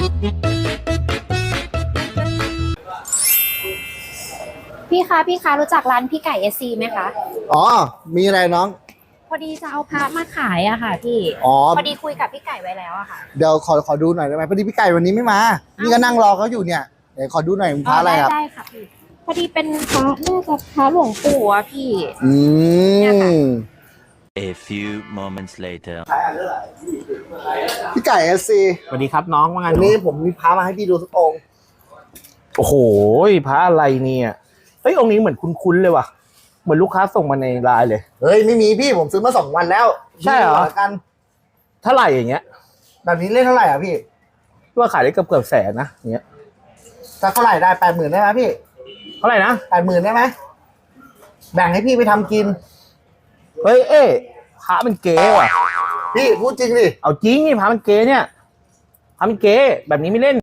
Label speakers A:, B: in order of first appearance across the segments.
A: พี่คะรู้จักร้านพี่ไก่เอซีไหมคะ
B: อ๋อมีอะไรน้อง
A: พอดีจะเอาพระมาขายอะค่ะพี่พอดีคุยกับพี่ไก่ไว้แล้วอะค่ะ
B: เดี๋ยวขอดูหน่อยได้ไหมพอดีพี่ไก่วันนี้ไม่มานี่ก็นั่งรอเขาอยู่เนี่ยเดี๋ยวขอดูหน่อยพระอะไรครับ
A: ได้ค่ะพี่พอดีเป็นพระน่าจะพระหลวงปู่อะพี่
B: ม
C: A few moments later
B: พี่ไก่เอสซี
D: สวัสดีครับน้องว่าไง
B: วันนี้ผมมีพระมาให้พี่ดูสักองค์
D: โอ้โหพระอะไรเนี่ยเฮ้ยองค์นี้เหมือนคุ้นๆเลยว่ะเหมือนลูกค้าส่งมาในไลน์เลย
B: เฮ้ยไม่มีพี่ผมซื้อมา2 วันแล้ว
D: ใช่เหรอ
B: กัน
D: เท่าไหร่อย่างเงี้ย
B: แบบนี้เล่นเท่าไหร่อ่ะพี่
D: ว่าขายได้เกือบแสนนะอย่างเงี้ย
B: จะเท่าไหร่ได้80,000ได้ไหมพี่
D: เท่าไหร่นะ
B: 80,000ได้ไหมแบ่งให้พี่ไปทำกิน
D: เฮ้ยพระมันเก๋ว่ะ
B: พี่พูดจริงดิ
D: เอาจริงนี่พระมันเก๋เนี่ยพระมันเก๋แบบนี้ไม่เล่น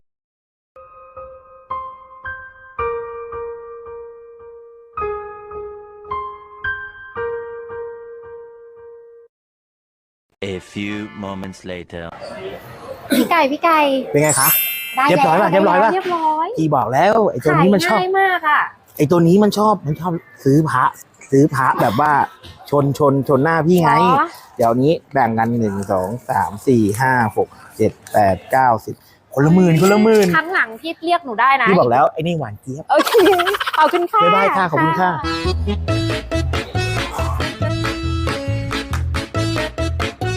C: A few moments later
A: พี่ไก่
D: เป็นไงคะ
A: ได้
D: เรียบร้อยป่ะเรียบร้อยพี่บอกแล้วไอ้ตัวนี้มันชอบ
A: ง่ายมากอะ
D: ไอ้ตัวนี้มันชอบซื้อพระแบบว่าชนหน้าพี่ไงเดี๋ยวนี้แบ่งกัน1 2 3 4 5 6 7 8 9 10คนละหมื่น
A: ครั้งหลังพี่เรียกหนูได้นะ
D: พี่บอกแล้วไอ้นี่หวานเจี๊ยบ
A: โอเคขอบคุณค่ะ
D: บ๊ายบายค่ะขอบคุณค่ะ